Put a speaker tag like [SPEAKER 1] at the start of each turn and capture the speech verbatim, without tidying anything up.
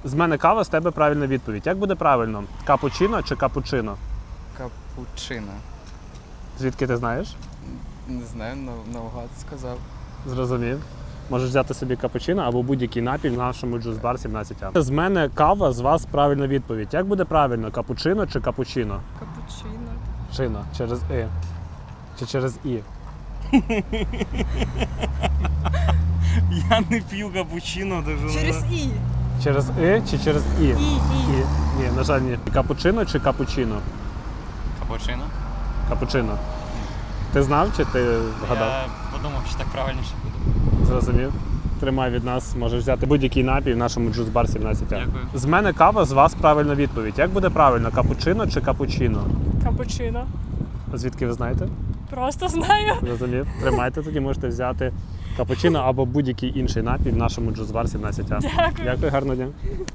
[SPEAKER 1] З мене кава, з тебе правильна відповідь. Як буде правильно? Капучино чи капучино?
[SPEAKER 2] Капучино.
[SPEAKER 1] Звідки ти знаєш?
[SPEAKER 2] Не знаю, нав- навгад сказав.
[SPEAKER 1] Зрозумів. Можеш взяти собі капучино або будь-який напій в нашому джус-бар сімнадцять А. З мене кава, з вас правильна відповідь. Як буде правильно? Капучино чи капучино?
[SPEAKER 3] Капучино.
[SPEAKER 1] Чино. Через І. Чи через І?
[SPEAKER 4] Я не п'ю капучино, даже
[SPEAKER 3] Через І.
[SPEAKER 1] Через І чи через І?
[SPEAKER 3] І,
[SPEAKER 1] І.
[SPEAKER 3] І.
[SPEAKER 1] Ні, на жаль, ні. Капучино чи капучино?
[SPEAKER 4] Капучино?
[SPEAKER 1] Капучино. Ти знав чи ти вгадав?
[SPEAKER 4] Я подумав, що так правильніше буде.
[SPEAKER 1] Зрозумів. Тримай від нас, можеш взяти будь-який напій в нашому джус-бар сімнадцять А.
[SPEAKER 4] Дякую.
[SPEAKER 1] З мене кава, з вас правильна відповідь. Як буде правильно? Капучино чи капучино?
[SPEAKER 3] Капучино.
[SPEAKER 1] Звідки ви знаєте?
[SPEAKER 3] Просто знаю.
[SPEAKER 1] Зрозумів. Тримайте, тоді можете взяти капучино або будь-який інший напій в нашому джус-бар сімнадцять А.
[SPEAKER 3] Дякую.
[SPEAKER 1] Дякую, гарного дня.